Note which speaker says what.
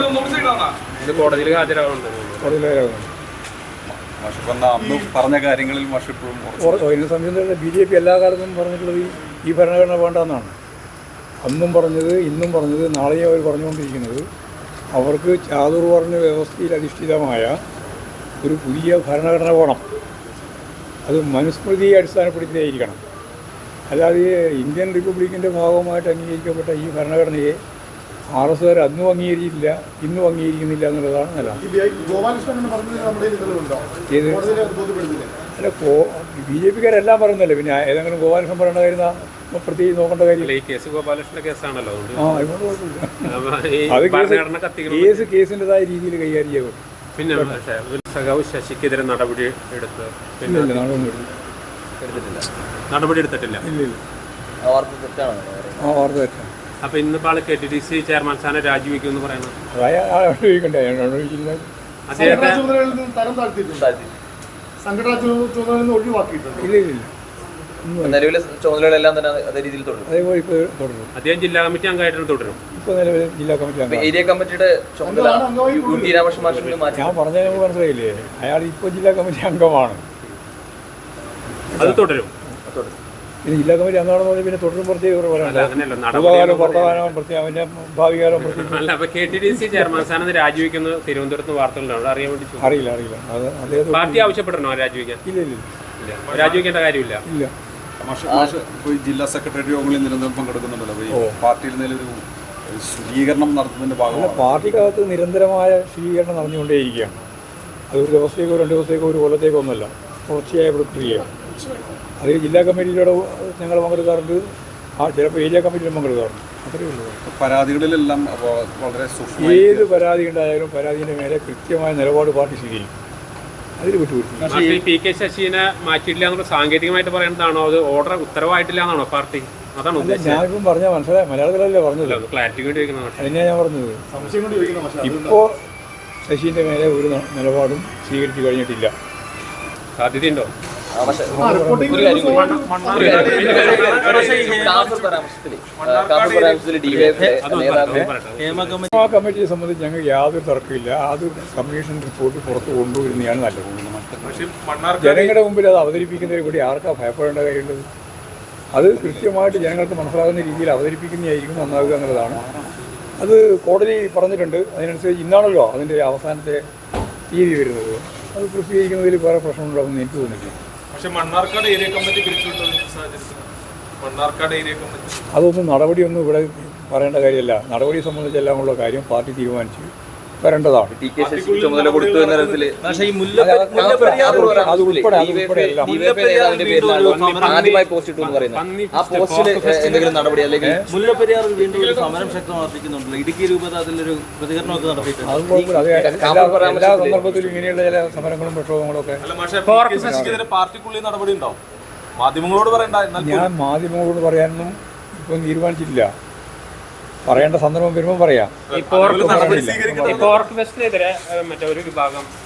Speaker 1: കോടതിയിൽ ഹാജരാകുന്നുണ്ട്.
Speaker 2: അന്ന് പറഞ്ഞ കാര്യങ്ങളിൽ
Speaker 3: എന്നെ സംബന്ധിച്ചിടത്തോളം BJP എല്ലാ കാലത്തും പറഞ്ഞിട്ടുള്ളത് ഈ ഭരണഘടന വേണ്ടെന്നാണ്. അന്നും പറഞ്ഞത്, ഇന്നും പറഞ്ഞത്, നാളെയും അവർ പറഞ്ഞുകൊണ്ടിരിക്കുന്നത് അവർക്ക് ചാതുർവർണ്ണ വ്യവസ്ഥയിൽ അധിഷ്ഠിതമായ ഒരു പുതിയ ഭരണഘടന വേണം. അത് മനുസ്മൃതിയെ അടിസ്ഥാനപ്പെടുത്തിയായിരിക്കണം. അല്ലാതെ ഇന്ത്യൻ റിപ്പബ്ലിക്കിൻ്റെ ഭാഗമായിട്ട് അംഗീകരിക്കപ്പെട്ട ഈ ഭരണഘടനയെ RSകാർ അന്നും അംഗീകരിച്ചില്ല, ഇന്നും അംഗീകരിക്കുന്നില്ല എന്നുള്ളതാണ് നല്ല. അല്ല, BJPക്കാരെല്ലാം പറയുന്നല്ലേ, പിന്നെ ഏതെങ്കിലും ഗോപാലകൃഷ്ണൻ പറയേണ്ട കാര്യം പ്രത്യേകിച്ച് നോക്കേണ്ട കാര്യം. അത് കേസിൻ്റെതായ രീതിയിൽ കൈകാര്യം ചെയ്യും.
Speaker 1: പിന്നെ ശശിക്കെതിരെ നടപടി എടുത്ത് നടപടി എടുത്തിട്ടില്ല.
Speaker 3: ആ വാർത്ത തെറ്റാണ്.
Speaker 1: അപ്പൊ ഇന്നിപ്പോൾ ആള് KTDC ചെയർമാൻ സ്ഥാനം രാജിവെക്കുമെന്ന് പറയുന്നത്
Speaker 2: നിലവിലെ ചുമതലകളെല്ലാം തന്നെ അതേ രീതിയിൽ തുടരും.
Speaker 1: അദ്ദേഹം ജില്ലാ കമ്മിറ്റി അംഗമായിട്ട് തുടരും.
Speaker 3: ജില്ലാ കമ്മിറ്റി
Speaker 2: ഏരിയ കമ്മിറ്റിയുടെ ചുമതല
Speaker 3: ഞാൻ പറഞ്ഞത് മനസ്സിലായില്ലേ, അയാൾ ഇപ്പോൾ ജില്ലാ കമ്മിറ്റി അംഗമാണ്.
Speaker 1: അത് തുടരും.
Speaker 3: പിന്നെ ജില്ലാ കമ്മിറ്റി അംഗമാണെന്ന് പറഞ്ഞാൽ പിന്നെ തുടരും പ്രത്യേക പൂർവ്വകാലം വർത്തമാനം പ്രത്യേകം അവൻ്റെ ഭാവികാലം
Speaker 1: KTDC ചെയർമാൻ സ്ഥാനം രാജിവെക്കുന്ന തിരുവനന്തപുരത്ത് വാർത്തകളുണ്ടാവും. അറിയാൻ വേണ്ടി
Speaker 3: അറിയില്ല. അത്
Speaker 1: പാർട്ടി ആവശ്യപ്പെടണോ രാജിവെക്കാൻ?
Speaker 3: ഇല്ല,
Speaker 1: രാജിവെക്കേണ്ട കാര്യമില്ല.
Speaker 3: ഇല്ല.
Speaker 2: ജില്ലാ സെക്രട്ടറി യോഗങ്ങളിൽ നിരന്തരം പങ്കെടുക്കുന്നുണ്ടല്ലോ. പാർട്ടിയിൽ നിന്നൊരു ശുചീകരണം നടത്തുന്നതിന്റെ ഭാഗമാണ്.
Speaker 3: പാർട്ടിക്കകത്ത് നിരന്തരമായ ശുചീകരണം നടന്നുകൊണ്ടേയിരിക്കുകയാണ്. അതൊരു ദിവസത്തേക്കോ 2 ദിവസത്തേക്കോ 1 കൊല്ലത്തേക്കോ ഒന്നല്ല, തുടർച്ചയായ പ്രക്രിയയാണ്. അതിൽ ജില്ലാ കമ്മിറ്റിയിലൂടെ ഞങ്ങൾ പങ്കെടുക്കാറുണ്ട്, ചിലപ്പോൾ ഏരിയ കമ്മിറ്റിയിലും പങ്കെടുക്കാറുണ്ട്. അത്രയേ ഉള്ളൂ.
Speaker 2: പരാതികളിലെല്ലാം വളരെ
Speaker 3: ഏത് പരാതി ഉണ്ടായാലും പരാതിൻ്റെ മേലെ കൃത്യമായ നിലപാട് പാർട്ടി സ്വീകരിക്കും. അതിൽ വിട്ടുകൊടുക്കും.
Speaker 1: PK ശശിനെ മാറ്റിയിട്ടില്ല എന്നുള്ള സാങ്കേതികമായിട്ട് പറയുന്നതാണോ, അത് ഓർഡർ ഉത്തരവായിട്ടില്ല എന്നാണോ പാർട്ടി? അതാണോ
Speaker 3: ഞാനിപ്പം പറഞ്ഞാൽ മനസ്സിലായി, മലയാളത്തിലല്ലേ പറഞ്ഞത്,
Speaker 1: ക്ലാരിറ്റി
Speaker 3: അതിനെയാണ് ഞാൻ പറഞ്ഞത്. ഇപ്പോൾ ശശീൻ്റെ മേലെ ഒരു നിലപാടും സ്വീകരിച്ചു കഴിഞ്ഞിട്ടില്ല.
Speaker 1: സാധ്യതയുണ്ടോ?
Speaker 3: കമ്മിറ്റിയെ സംബന്ധിച്ച് ഞങ്ങൾക്ക് യാതൊരു തർക്കമില്ല. അത് കമ്മീഷൻ റിപ്പോർട്ട് പുറത്ത് കൊണ്ടുവരുന്നതാണ് നല്ലത്. ജനങ്ങളുടെ മുമ്പിൽ അത് അവതരിപ്പിക്കുന്നതിൽ കൂടി ആർക്കാ ഭയപ്പെടേണ്ട കാര്യമുള്ളത്? അത് കൃത്യമായിട്ട് ജനങ്ങൾക്ക് മനസ്സിലാകുന്ന രീതിയിൽ അവതരിപ്പിക്കുന്നതായിരിക്കും നന്നാവുക എന്നുള്ളതാണ്. അത് കോടതി പറഞ്ഞിട്ടുണ്ട്. അതിനനുസരിച്ച് ഇന്നാണല്ലോ അതിൻ്റെ അവസാനത്തെ തീയതി വരുന്നത്. അത് പ്രസിദ്ധീകരിക്കുന്നതിൽ വേറെ പ്രശ്നമുണ്ടാകുമെന്ന് എനിക്ക് തോന്നുന്നില്ല. അതൊന്നും നടപടിയൊന്നും ഇവിടെ പറയേണ്ട കാര്യമല്ല. നടപടിയെ സംബന്ധിച്ചെല്ലാമുള്ള കാര്യം പാർട്ടി തീരുമാനിച്ച് വരേണ്ടതാണ്. അത് ഉൾപ്പെടെ എല്ലാം
Speaker 2: ആദ്യമായി പോസ്റ്റ് ഇട്ടു എന്ന് പറയുന്നത് ആ പോസ്റ്റിൽ എന്തെങ്കിലും നടപടി അല്ലെങ്കിൽ
Speaker 4: മുല്ലപ്പെരിയാർ വീണ്ടും ഒരു സമരം ശക്തമാർപ്പിക്കുന്നുണ്ടല്ലോ. ഇടുക്കി രൂപത അതിലൊരു പ്രതികരണമൊക്കെ നടത്തിയിട്ടുണ്ട്.
Speaker 3: എല്ലാ സന്ദർഭത്തിലും ഇങ്ങനെയുള്ള ചില സമരങ്ങളും പ്രക്ഷോഭങ്ങളും ഒക്കെ
Speaker 4: പാർട്ടിക്കുള്ളിൽ നടപടി ഉണ്ടാവും. മാധ്യമങ്ങളോട് പറയണ്ട.
Speaker 3: ഞാൻ മാധ്യമങ്ങളോട് പറയാനൊന്നും ഇപ്പം തീരുമാനിച്ചിട്ടില്ല. പറയേണ്ട സന്ദർഭം വരുമ്പോൾ പറയാം.
Speaker 1: മറ്റേ ഒരു വിഭാഗം